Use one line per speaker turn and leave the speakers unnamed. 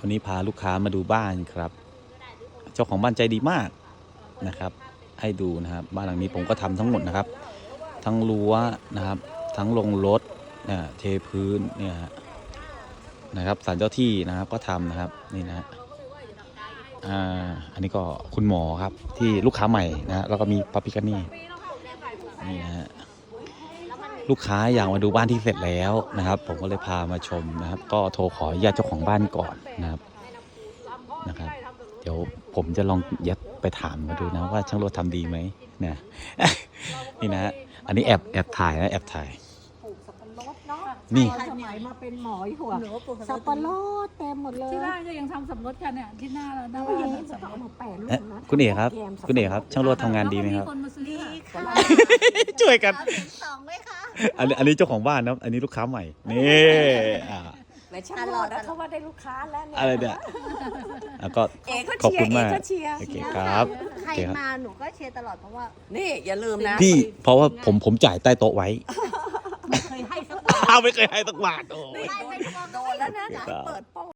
วันนี้พาลูกค้ามาดูบ้านครับเจ้าของบ้านใจดีมากนะครับให้ดูนะครับบ้านหลังนี้ผมก็ทำทั้งหมดนะครับทั้งรั้วนะครับทั้งลงรถเทพื้นเนี่ยนะครับศาลเจ้าที่นะครับก็ทำนะครับนี่นะอันนี้ก็คุณหมอครับที่ลูกค้าใหม่นะแล้วก็มีปาปิกานี่นี่นะฮะลูกค้าอยากมาดูบ้านที่เสร็จแล้วนะครับผมก็เลยพามาชมนะครับก็โทรขออนุญาตเจ้าของบ้านก่อนนะครับเดี๋ยวผมจะลองยัดไปถามมาดูนะว่าช่างโรดทำดีไหมเนี่ยนี่นะอันนี้แอบถ่ายนะแอบถ่ายนี่
สมัยมาเป็นหมอหัวสับปะรดเต็มหมดเลย
ที่บ้านก็ยังทำสับปะรดกันเนี่ยที่หน้าเราหน้า
แล้ว
บ้าน
ยังจะเอามาแปะรูปนะ
คุณเอกครับคุณเอกครับช่างโรดทำงานดีไหมครับ
คนมาซื้อค่ะ
ช่วยกัน
สองไหมคะ
อันนี้เจ้าของบ้านนะอันนี้ลูกค้าใหม่นี่
แต่ฉันรอดแล้วเขาว่าได้ลูกค้าแล้วเนี่ย
อะไรเนี่ยก็
เอกก็
ขอบ
เชีย
คุณ
ร์เอ
มาก
กก็เชียร์
โอเคครับ
ใครมาหนูก็เชียร์ตลอดเพราะว่า
นี่อย่าลืมนะ
พี่เพราะว่าผมจ่ายใต้โต๊ะไว้
เคยให้สักบาท
ไม่เคยให้สักบาทโอ้
ไม่ไม่
โดนแล้วนะเปิดโป้